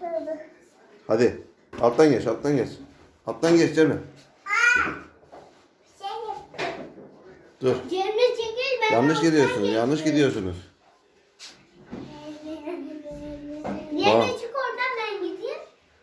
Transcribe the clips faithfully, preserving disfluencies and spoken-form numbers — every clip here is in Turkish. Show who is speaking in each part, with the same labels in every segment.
Speaker 1: Hadi. Alttan geç, alttan geç. Alttan geç Cemre. Dur.
Speaker 2: Cemre çekil, ben
Speaker 1: Yanlış
Speaker 2: alttan
Speaker 1: gidiyorsunuz,
Speaker 2: geçiyorum.
Speaker 1: yanlış gidiyorsunuz.
Speaker 2: Cemre
Speaker 1: Aa.
Speaker 2: çık oradan, ben gideyim.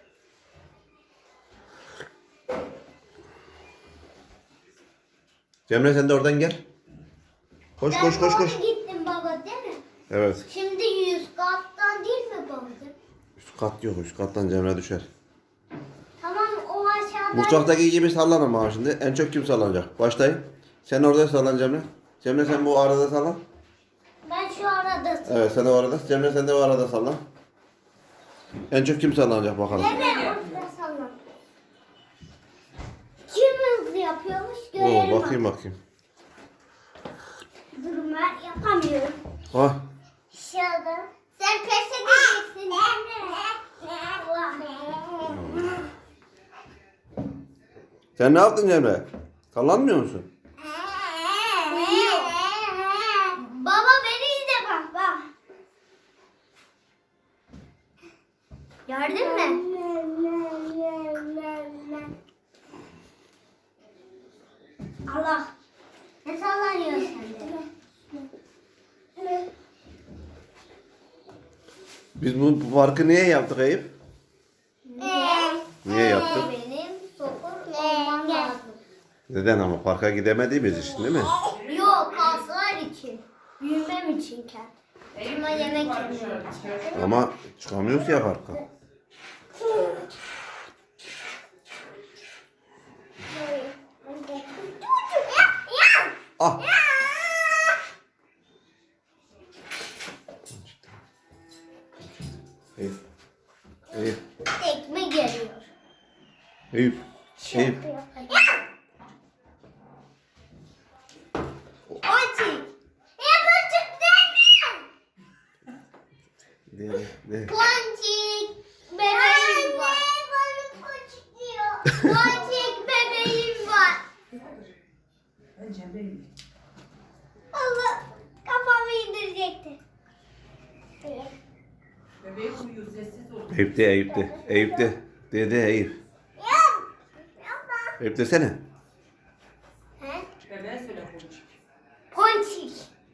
Speaker 1: Cemre sen de oradan gel. Koş
Speaker 2: Ben
Speaker 1: koş koş
Speaker 2: doğru
Speaker 1: koş.
Speaker 2: gittim baba, değil mi?
Speaker 1: Evet.
Speaker 2: Şimdi yüz kattan değil mi babacığım?
Speaker 1: Üst kat yok, üst kattan Cemre düşer.
Speaker 2: Tamam, o aşağıdan.
Speaker 1: Mutfaktaki gibi sallan ama şimdi. En çok kim sallanacak? Başlayın. Sen orada sallan Cemre. Cemre sen bu arada sallan.
Speaker 2: Ben şu arada.
Speaker 1: Evet sen de o arada. Cemre sen de o arada sallan. En çok kim sallanacak bakalım.
Speaker 2: Cemre orada sallan. Kim hızlı yapıyormuş görelim.
Speaker 1: Oo, bakayım bakayım.
Speaker 2: Durun, ben yapamıyorum.
Speaker 1: Ha.
Speaker 2: Aşağıda. Sen pes edeceksin Cemre. Allah.
Speaker 1: Sen ne yaptın Cemre? Sallanmıyor musun?
Speaker 2: Uyuyor. Baba beni izle, bak bak. Gördün mü? Allah. Ne sallanıyorsun sen de?
Speaker 1: Biz bu, bu parkı niye yaptık Eyüp? Niye yaptık?
Speaker 2: Benim sokur olmam lazım.
Speaker 1: Neden ama parka gidemediğimiz için değil mi?
Speaker 2: Yok, kaslar için. Büyümem için kendim. Ama yemek yemiyorum.
Speaker 1: Ama çıkamıyoruz ya parka. Ah! Eyüp. Eyüp.
Speaker 2: Tekme geliyor.
Speaker 1: Eyüp. Eyüp.
Speaker 2: Ponçik. Ya ponçik değil mi?
Speaker 1: Ne, ne?
Speaker 2: Ponçik. Bebeğim var. Anne bana ponçik diyor. Ponçik bebeğim var. Allah, kafamı indirecekti.
Speaker 3: Bebeğim uyuyor, sessiz ol.
Speaker 1: Eyüp de Eyüp de. Eyüp de. Dede Eyüp. Eyüp desene.
Speaker 2: He?
Speaker 3: Bebeğe söyle konuşuyor.
Speaker 2: Ponçik.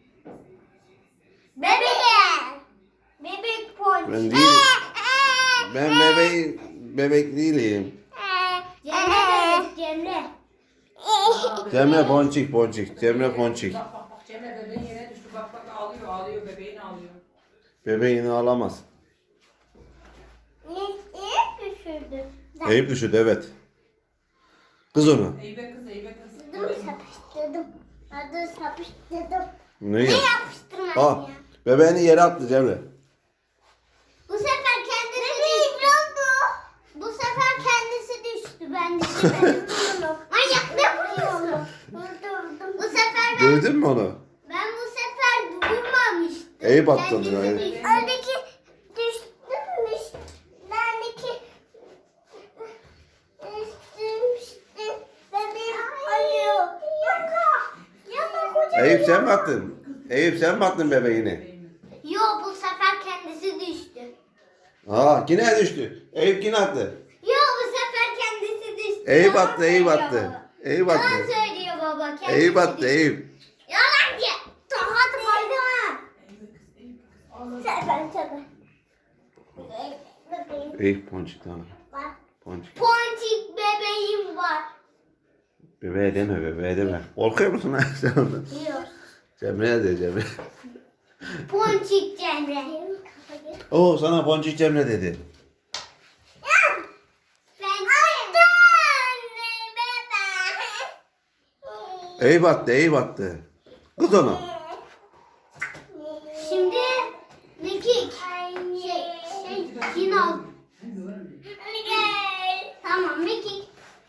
Speaker 2: Bebeğim. Bebek ponçik.
Speaker 1: Ben değilim. Ben bebeğim. Bebek değilim.
Speaker 2: Cemre bebek, Cemre.
Speaker 1: Cemre Ponçik Ponçik. Cemre Ponçik.
Speaker 3: Bak bak bak, Cemre bebeğin yere düştü. Bak bak, ağlıyor ağlıyor, bebeğin ağlıyor.
Speaker 1: Bebeğini alamaz.
Speaker 2: Ne düşürdü?
Speaker 1: Eyüp düşürdü evet. Kız onu.
Speaker 3: Eybe kız, eybe kız.
Speaker 2: Dur, sapıştırdım. Dur, sapıştırdım.
Speaker 1: Ne
Speaker 2: Ne
Speaker 1: yap?
Speaker 2: yapıştırmadın
Speaker 1: Ah,
Speaker 2: ya?
Speaker 1: bebeğini yere attı Cemre.
Speaker 2: Bu sefer kendisi düştü. Bu sefer kendisi düştü. Ben düşemedim. Manyak, ne vuruyorsun? Bu sefer ben,
Speaker 1: Dövdün mü onu?
Speaker 2: ben bu sefer vurmamıştım.
Speaker 1: Eyüp attı
Speaker 2: Kendisi
Speaker 1: onu, evet.
Speaker 2: düştü. Öndeki düştümüş. Bendeki düştümüştü. Bebeğim acıyor. Yaka. Yaka kocaman.
Speaker 1: Eyüp sen mi attın? Eyüp sen mi attın bebeğini?
Speaker 2: Yo, bu sefer kendisi düştü.
Speaker 1: Aa yine düştü. Eyüp yine attı.
Speaker 2: Yo, bu sefer kendisi düştü.
Speaker 1: Eyüp
Speaker 2: Yalan
Speaker 1: attı, Eyüp
Speaker 2: söylüyor
Speaker 1: attı.
Speaker 2: baba.
Speaker 1: Eyüp
Speaker 2: Yalan
Speaker 1: attı.
Speaker 2: söylüyor baba. Kendisi
Speaker 1: Eyüp attı
Speaker 2: düştü.
Speaker 1: Eyüp.
Speaker 2: Yalancı. Tokat koydu ha.
Speaker 3: Eybe kız, eybe kız. Ağladı.
Speaker 2: Sefer sefer. Bebeğim
Speaker 1: Eyüp Ponçik tamam.
Speaker 2: var.
Speaker 1: Ponçik.
Speaker 2: Ponçik bebeğim var.
Speaker 1: Bebeğe deme bebeğe deme. Korkuyor musun lan sen ondan?
Speaker 2: Yok.
Speaker 1: Cemre'ye de Cemre.
Speaker 2: Ponçik Cemre.
Speaker 1: Oo sana Ponçik Cemre dedi.
Speaker 2: Ben Cemre. Bebe.
Speaker 1: Eyüp attı Eyüp attı. Kız onu.
Speaker 2: Şimdi Mekik. Şey, şey, Kinal. Tamam Mekik.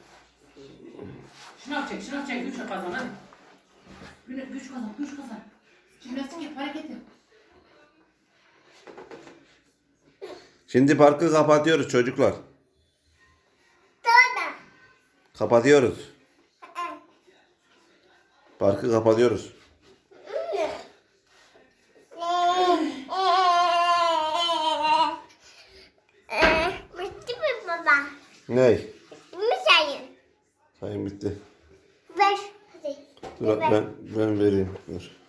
Speaker 3: Şınav çek, şınav çek, güç kazan hadi. Güne- Güç kazan, güç kazan. Jimnastik yap, hareket yap.
Speaker 1: Şimdi parkı kapatıyoruz çocuklar.
Speaker 2: Tamam.
Speaker 1: Kapatıyoruz. Parkı kapatıyoruz.
Speaker 2: Eh,
Speaker 1: Ney?
Speaker 2: Bir sayın.
Speaker 1: Sayın bitti.
Speaker 2: Ver. Hadi.
Speaker 1: Dur ben, ben vereyim. Dur.